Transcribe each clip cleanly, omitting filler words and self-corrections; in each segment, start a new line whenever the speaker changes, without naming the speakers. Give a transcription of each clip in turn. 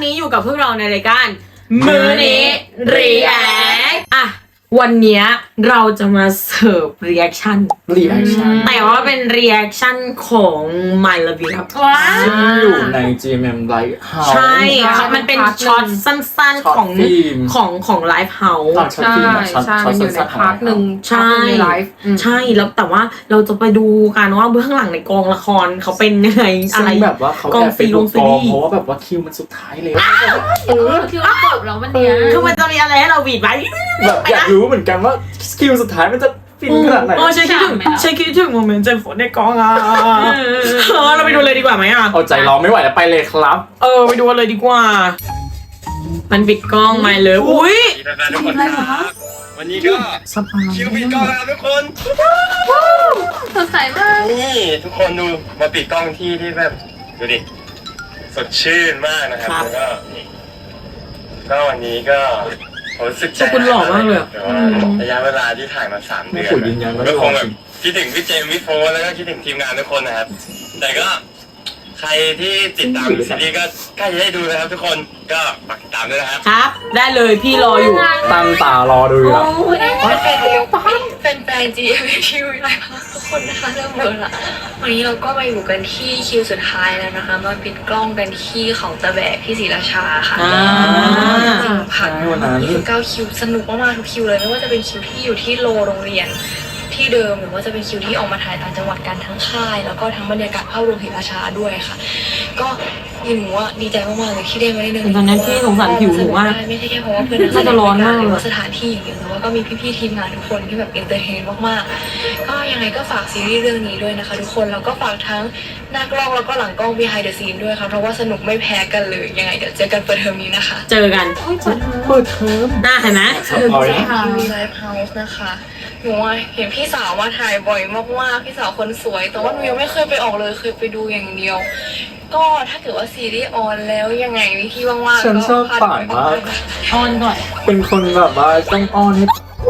นี้อยู่กับพวกเราในรายการมื้อนี้รีแอคอ่ะวันนี้เราจะมาเสิร์ฟรีแอคชั่นแต่ว่าเป็นรีแอคชั่นของ My Love You ครับ
ซึ่งอยู่ใน GMM Lighthouse
ใช่ค่ะมันเป็นช็อตสั้นๆของ Live House
ช็อตฟิล์มช็อตสั้นๆของ
หนึ่ง
ใช่ใช่แล้วแต่ว่าเราจะไปดูกันว่าเบื้องหลังในกองละครเขาเป็นยังไงอะไร
แบบว่าเขาแอบไปดูกองเพราะว่าแบบว่าคิวมันสุดท้ายเลย
คิวจบแล้ววันเนี้ย
คือมันจะมีอะไรให้เราหวีดไว้
แบบอยากรู้เหมือนกันว่าคิวสุดท้ายมันจะฟินขนาดไหน
ฉันคิดถึงโมเมนต์เจนฝนในกองอ่ะเราไปดูเลยดีกว่าไหมอ่ะ
เอาใจรอไม่ไหวแล้วไปเลยครับ
ไปดูเลยดีกว่า มันปิดกล้องไม่เลยอุ้ย
ทุกคนครับวันนี้ก็คิวปิดกล้องแล้วทุกคน
สดใสมาก
นี่ทุกคนดูมาปิดกล้องที่แบบดูดิสดชื่นมากนะครับแล้วก็วันนี้ก็ผมรู้สึกใจแต่ว่าระยะเวลาที่ถ่ายมา3 เดือนก็คงแบบคิดถึงพี่เจมส์พี่โฟร์แล้วก็คิดถึงทีมงานทุกคนนะครับแต่ก็ใครที่ติดตามซีรีส์ก็ใกล้จะได้ดูนะครับทุกคนก็ฝากติดตามด้วยนะครับ
ครับได้เลยพี่รออยู่
ตั้งตารอดูอยู่แล้ว
เป็นแฟน GMQ ไลฟ์ทุกคนนะคะเริ่มเบอร์ละวันนี้เราก็มาอยู่กันที่คิวสุดท้ายแล้วนะคะมาปิดกล้องกันที่เขาตะแบกที่ศรีราชาค่ะผ่าน29 คิวสนุกมากๆทุกคิวเลยไม่ว่าจะเป็นคิวที่อยู่ที่โรงเรียนที่เดิมหรือว่าจะเป็นคิวที่ออกมาถ่ายต่างจังหวัดกันทั้งค่ายแล้วก็ทั้งบรรยากาศภาพรวมศรีราชาด้วยค่ะก็หนูว่าดีใจมากๆเลยที่ได้มาได้เดิน
ตอนนั้นพี่สงสารผิวหนูมาก
ไม่ใช่แค่เพราะว่าเพื่อนน่าจะร้อนมากหรือว่าสถานที่อย่างเดียวแต่ว่าก็มีพี่ๆทีมงานทุกคนที่แบบเอนเตอร์เทนมากๆก็ยังไงก็ฝากซีรีส์เรื่องนี้ด้วยนะคะทุกคนแล้วก็ฝากทั้งหน้ากล้องแล้วก็หลังกล้อง behind the scene ด้วยค่ะเพราะว่าสนุกไม่แพ้กันเลยยังไงเดี๋ยวเจอกันเปิดเทอมนี้นะคะ
เจอกัน
เปิดเทอม
หน้าเห็นไหม
มีไลฟ์เฮาส์นะคะหนูเห็นพี่สาวมาถ่ายบ่อยมากๆพี่สาวคนสวยแต่ว่าหนูยังไม่เคยไปออกเลยเคยไปดูอย่างเดียวก็ถ้าเกิดว่าซีรีส์ออนแล้วยังไงวิธีว่างๆ
ฉันชอบป่านมาก
ออนก่อน
เป็นคนแบบว่าต้องอ้อนให้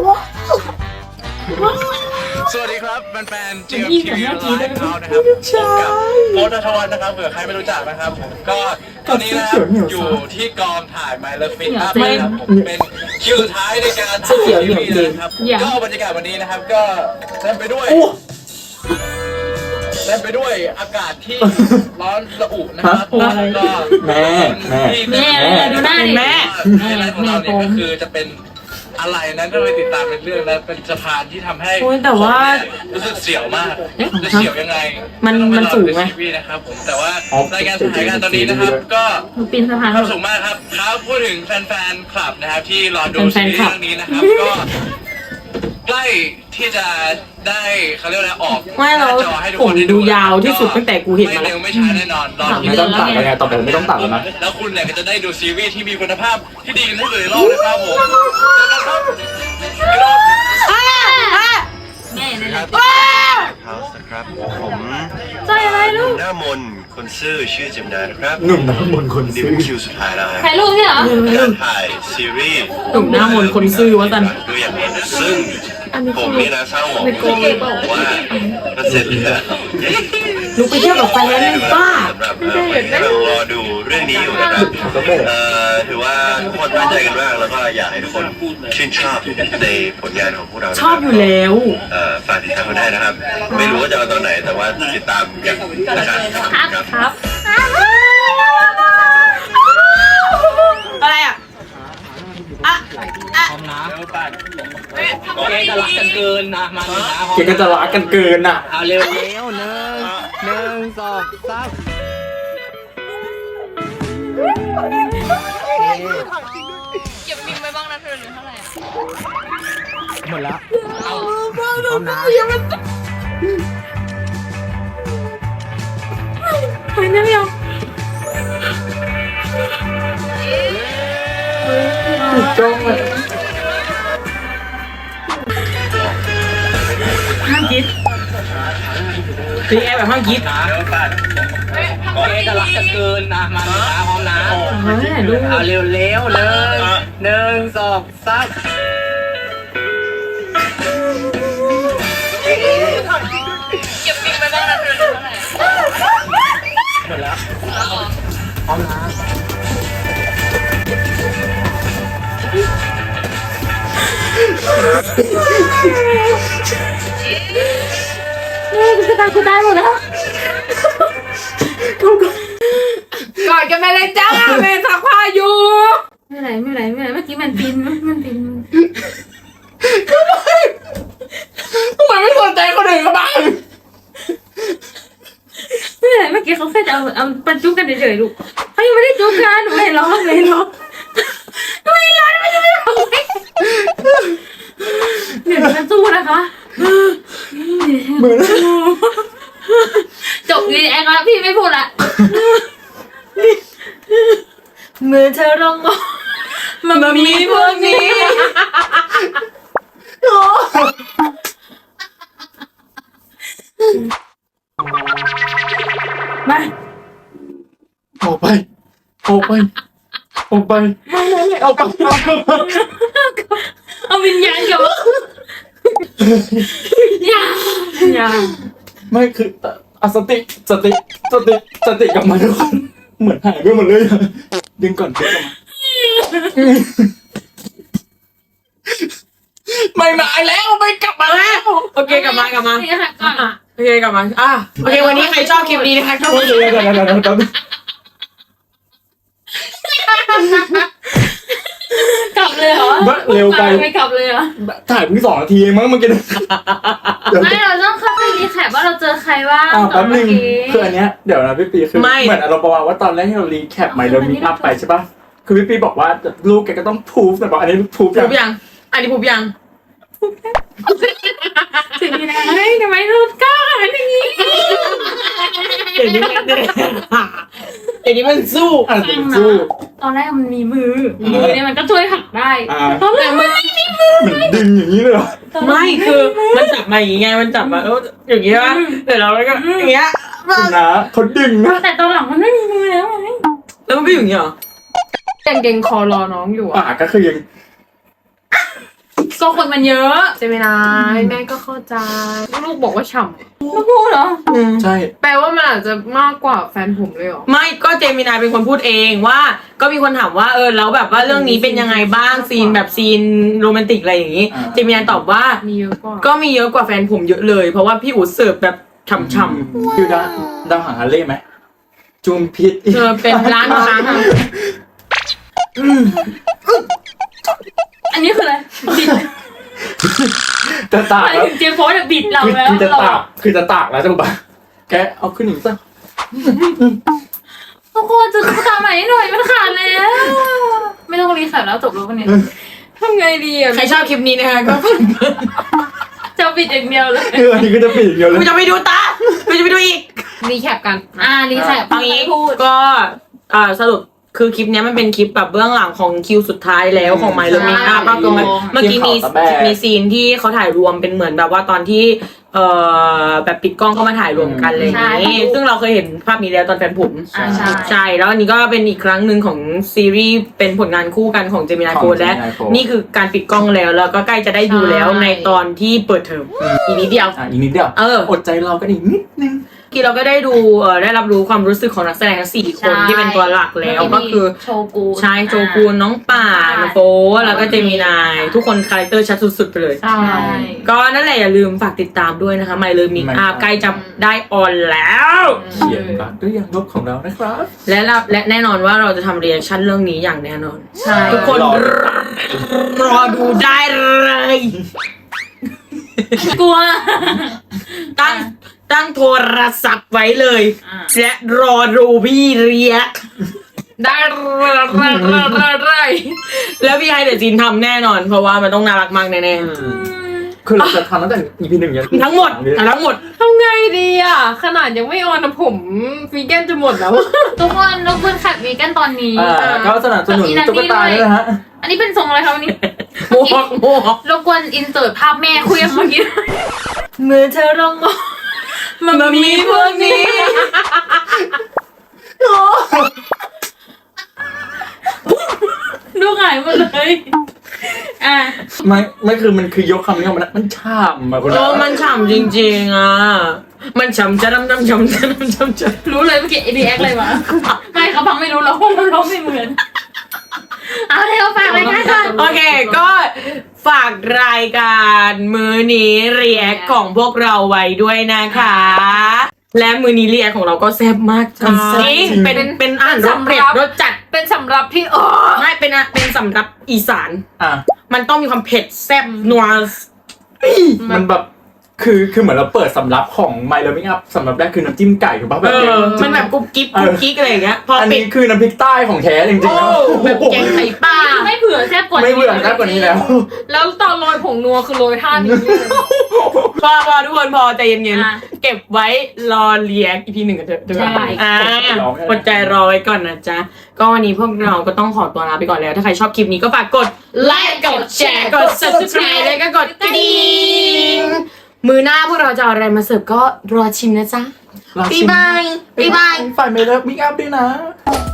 สวัสดีครับแฟนๆ GMTV Live House นะครับผมกับโบ๊ท ณัฐวัฒน์นะครับเผื่อใครไม่รู้จักนะครับผมก็ตอนนี้นะครับอยู่ที่กองถ่าย My Love Fit Up นะครับผมเป็นคิวสุดท้ายในการถ่ายซีรีส์นะครับก็บรรยากาศวันนี้นะครับก็เต็มไปด้วยอากาศที่ร้อนระอุนะครับแล้วก็
แม่
ดูหน้าดิแม่
ไฮไลท์ของเราเนี่ยก็คือจะเป็นอะไรนั้นก็ไปติดตามเป็นเรื่องแล้วเป็นสะพานที่ทำให้
แต่ว่า
รู้สึกเสียวมากจะเสียวยังไง
มันสูงไหม
นะครับผมแต่ว่ารายการถ่ายการตอนนี้นะครับก็
ปีนสะพาน
ความสูงมากครับครับพูดถึงแฟนๆคลับนะครับที่รอดูซีรีส์เรื่องนี้นะครับก็ใกล้ที่จะได้เขาเรียกอะไรออกหน้าจอให้ทุกคนได้
ดูยาวที่สุดตั้งแต่กูเห็นมา
ไม่เร็วไม่ช้าแน่นอนรอ
ไม่ต้องตัดแล้วไงต่อไปไม่ต้องตัดแล้วนะ
แล้วคุณเนี่ยก็จะได้ดูซีรีส์ที่มีคุณภาพที่ดีที่สุดในโลกนะครับผมเจอกันครับ
แม่นี่แหละ
ครับผม
ใจอะไรลูก
หน้ามนคนซื่อชื่อจิมนานะครับ
หนุ่มน้ำมนต์คน
นี่
ซื้อ
เป็นคิวสุดท้ายแล้ว
ถ่ายรูปเนี่ยเหรอ
การถ่ายซีรีส์
หนุ่มหน้ามนต์คนซื่อวะจัน
ดูอย่างนี้ซึ่งผมนี่นะเศร้าหมองว่าก็เสร็จแล้ว
ลุกไปเที่ยวกับแฟนป้า
สำหรับคนที่เรารอดูเรื่องนี้อยู่นะครับถือว่าทุกคนตั้งใจกันมากแล้วก็อยากให้ทุกคนชื่นชอบในผลงานของพวกเรา
ชอบอยู่แล้ว
ฝากติดตามกันได้นะครับ ไม่รู้ว่าจะเอาตอนไหนแต่ว่าติดตามอย่างนะครับ
ครับ
อะไรอ่ะ
แกจะรักกันเกินนะมาเลยนะ
แกก็จะรักกันเกินอ่ะ
เอาเร็วหนึ่งสองสาม
เก็บบินไปบ้างนะเธอหรือเท่าไหร่
หมดแล้วเอาพร้อมนะ
ไปนั่งยังถูกจ้องเลยห้ามคิดตีแอร์แบบห้ามคิด
แกจะรักกันเกินนะมาเลยนะพร้อมนะ
ดู
เอาเร็วเลยหนึ่งสองสาม
เก็บบินไปบ้างนะเธอหรือเท่าไหร่
หมดแล้วพร้อมนะ
กูตายหมดแล้วกอดกันไปเลยจ้าแม่ซักผ้าอยู่ไม่ไหนเมื่อกี้มันปีน
ทำไมไม่สนใจคนอื่นเขาบ้าง
ไม่ไหนเมื่อกี้เขาแค่จะเอาปันจุ๊บกันเฉยๆลูกเขายังไม่ได้จุ๊บกันหนูไม่ร้องเลยร้องไม่ร้องไม่ร้องเดี๋ยวจะสู้นะคะ
เหมือน
จบรีแอคแล้วพี่ไม่พูดละ
เมื่อเธอร้องมันมีพวกนี้
มา
ออกไปออกไปออกไปไม่ออกไป
เอาวิญญาณกลับมาอย่า
ไม่คืออะสติกลับมาทุกคนเหมือนหายไปหมดเลยอะดึงก่อนดึงกลับมาไม่มาแล้วไม่กลับมาแล้ว
โอเคกลับมา
นี่ค่ะก่อน
โอเคกลับมาโอเควันนี้ใครชอบคลิปนี้นะคะก็
เดี๋ยว
กลับเลยเหรอ
เร็วไป
ไม่กลับเลยเหรอ
ถ่ายเพิ่ง2 นาทีเองมั้งเมื่อกี้เดี๋ยว
ไม่เราต้องเข้าไปรีแคปว่าเราเจอใครบ้าง
แป๊บนึงคืออันเนี้ยเดี๋ยวนะพี่ปีคือเหมือนเราบอกว่าตอนแรกที่เรารีแคปใหม่เรามีอัพไปใช่ป่ะคือพี่ปีบอกว่าลูกแกก็ต้องพูฟแต่บอกอันนี้พูฟ
พูบยังอันนี้พูบยัง
สิ่งนี้นะเฮ้ยทำไมรูปกล้าขนาดนี้
เดี๋ยวนี้มันสู้
อ่ะสู้
ตอนแรกมันมีมือเนี่ยมันก็ช่วยหักได้ตอนแรกมันไม่มีมือ
เหมือนดึงอย่างนี้เลยเหรอ
ไม่คือมันจับมาอย่างงี้ไงมันจับมาแล้วอย่างงี้ป่ะเดี๋ยวเราก็อย่างเงี้ย
คุณนะเขาดึงนะ
แต่ตอนหลังมันไม่มีมือแล้วไง
แล้วมันก็อยู่อย่างงี้เหรอ
เก่งคอรอน้องอยู่อ่ะ
ก็คือยัง
ก็คนมันเยอะ
เจมินายแม่ก็เข้าใจ ลูกบอกว่าฉ่
ไม่พูดเหรอ
ใช่
ำแปลว่ามันอาจจะมากกว่าแฟนผมเลยเหรอ
ไม่ก็เจมินายเป็นคนพูดเองว่าก็มีคนถามว่าแล้วแบบว่าเรื่องนี้เป็นยังไงบ้างซีนแบบซีนโรแมนติกอะไรอย่างงี้เจมินายตอบว่า
มีเยอะกว่า
ก็มีเยอะกว่าแฟนผมเยอะเลยเพราะว่าพี่อู๋เสิร์ฟแบบฉ่ำ
คือดาวหางฮาเล่ไหมจุมพิษ
ๆเป็นร้านครั้ง
อันนี้คืออะไรบิด
จะตาก
หมาย
แล้ว
ถึงเจมส์โฟร์บิดเราแล้ว
คือจะตากแล้วจังปะแกเอาขึ้นอีกสัก
ทุกคนจะตุ๊กตาใหม่ให้หน่อยมันขาดแล้ว ไม่ต้องรีแคปแล้วจบแล้ววันนี้
ทำไงดีอ่ะ
ใครชอบคลิปนี้นะคะก็
จะบิดอย่างเดียวเลย
คืออันนี้ก็จะปิดอย่างเดียวเลย
กูจะไปดูตากูจะไปดูอีก
รีแคปกัน
รีแคป
เอางี้
พูด
ก็สรุปคือคลิปเนี้ยมันเป็นคลิปแบบเบื้องหลังของคิวสุดท้ายแล้วของไมล์
ใช่
เมคอัพก็คือเมื่อกี้มีซีนที่เขาถ่ายรวมเป็นเหมือนแบบว่าตอนที่แบบปิดกล้องเข้ามาถ่ายรวมกันอะไรอย่างนี้ซึ่งเราเคยเห็นภาพนี้แล้วตอนแฟนผม
ใช่
ใช่แล้วอันนี้ก็เป็นอีกครั้งหนึ่งของซีรีส์เป็นผลงานคู่กันของเจมินาโฟและนี่คือการปิดกล้องแล้วก็ใกล้จะได้ดูแล้วในตอนที่เปิดเทอมอีกนิดเดียว
อีกนิดเดียวอดใจรอกันอีกนิดนึง
กี้เราก็ได้ดูได้รับรู้ความรู้สึกของนักแสดงทั้ง4 คนที่เป็นตัวหลักแล้วก็คือ
โชกู
ใช่โจกูนน้องป่านโฟแล้วก็เจมินายทุกคนคาแรคเตอร์ชัดสุดๆไปเลย
ใช่
ก็นั่นแหละอย่าลืมฝากติดตามด้วยนะคะไมล์มิกอัพใกล้จะได้ออนแล้ว
เขียนการด้วยอย่างลบของเรานะครับ
และแน่นอนว่าเราจะทำเรีแอคชั่นเรื่องนี้อย่างแน่นอน
ใช่
ทุกคนรอดูได้เลย
กลัว
ตั้งโทรศัพท์ไว้เลยและรอดูพี่เรียก
ได้
แล้วพี่ไฮเดอร์จีนทำแน่นอน เพราะว่ามันต้องน่ารักมากแน่
คือเราจะทำตั้งแต่ EP 1ยัน
ๆทั้งหมด
ทำไงดีอ่ะ ขนาดยังไม่ออนนะผมวีแกนจะหมดแล้ว
ทุกคนแคปวีกันตอนนี้
ก็สนับสนุนตุ๊กตาด้วยนะฮะ
อันนี้เป็นทรงอะไรคะวันนี้
โมก
รบกวนอินเสิร์ตภาพแม่คุยกันเมื่อกี้
เมื่อเธอร้องมันมีพวกนี้
ดูหายหมดเลย
ไม่คือมันคือยกคำนี้ออกมามันช่ำอะคุณ
มันฉ่ำจริงๆอ่ะมันฉ่ำจะดำ
รู้เลยเมื่อกี้รีแอคอะไรวะไม่เขาฟังไม่รู้เราเพราะเราร้องไม่เหมือนเอาเร็วฝากรายการก่อน
โอเคก็ฝากรายการมื้อนี้เรียกของพวกเราไว้ด้วยนะคะ และมื้อนี้เรียกของเราก็แซ่บมากจริงเป็นอาหารรสเผ็ดรสจัด
เป็นสำหรับพี่
ไม่เป็นสำหรับอีสาน
อ่ะ
มันต้องมีความเผ็ดแซ่บนัว
มันแบบคือเหมือนเราเปิดสำรับของ My Loving Up สำรับแรกคือน้ำจิ้มไก่ถูกป่ะแบบเนี้ย
มันแบบกุ๊บกิ๊บอะไรอย่างเงี้ยพอ
อัน
ปิ
นี้
ด
คือน้ำพริกใต้ของแท้จริงๆ
โอ้
นะ
แบบแกงไข่ปลา
ไม่เผื่อแซ่บกว่านี้
ไม่เบื่อแค่กว่านี้แล้ว
แล้วตอนโรยผงนัวคือโรยท่านี้เลย
พอทุกคนพอใจเย็น
อ่ะ
ๆเก็บไว้รอเรียกอีพีหนึ่งกันเถอะ
ใช่
อดใจรอไว้ก่อนนะจ๊ะก็วันนี้พวกเราก็ต้องขอตัวลาไปก่อนแล้ว ถ้าใครชอบคลิปนี้ก็ฝากกดไลค์กดแชร์กด subscribe แล้วก็กดกระดิ่งมือหน้าพวกเราจะเอาอะไรมาเสิร์ฟก็รอชิมนะจ๊ะ
รอชิม
บ๊ายบาย
ฝ่าย My Loving Up ด้วยนะ